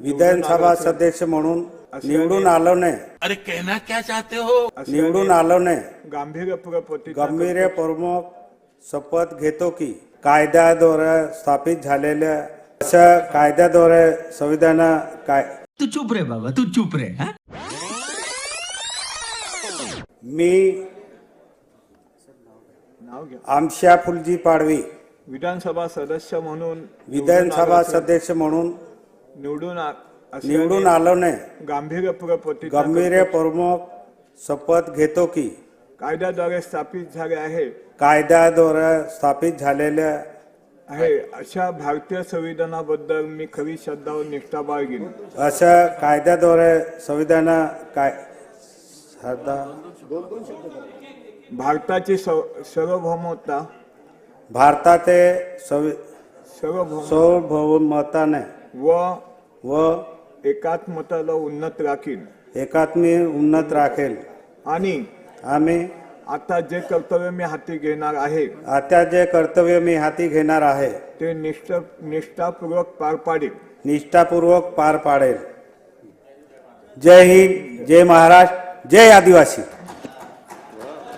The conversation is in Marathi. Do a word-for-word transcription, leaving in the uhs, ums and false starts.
विधानसभा सदस्य म्हणून निवडून आलो नाही. अरे कहना क्या चाहते हो? निवडून आलो नाही. गांभीर्यपूर्वक प्रतिज्ञा गंभीरपूर्वक शपथ घेतो की कायद्याद्वारे स्थापित झालेल्या अशा कायद्याद्वारे संविधान काय तू चुप रे बाबा, तू चुप रे. हा? मी नाव घ्या. आमशा फुलजी पाडवी विधानसभा सदस्य म्हणून विधानसभा सदस्य म्हणून निवडून आ- असल्याने निवडून आलो नाही. गांभीर्यपूर्वक प्रतिज्ञा गंभीरपूर्वक शपथ घेतो की कायद्याद्वारे स्थापित झाले आहे कायद्याद्वारे स्थापित झालेल्या आहे अशा भारतीय संविधानाबद्दल मी खरी श्रद्धा व निष्ठा बाळगीन. अशा कायद्याद्वारे संविधान काय श्रद्धा भारताची सव- सार्वभौमता भारताचे संवि- सार्वभौम सार्वभौमताने व व एकात्मताला उन्नत राखीन एकात्मी उन्नत राखेल. आणि आम्ही आता जे कर्तव्य मी हाती घेणार आहे आता जे कर्तव्य मी हाती घेणार आहे ते निष्ठ निष्ठापूर्वक पार पाडेल. निष्ठापूर्वक पार पाडेल. जय हिंद, जय महाराष्ट्र, जय आदिवासी.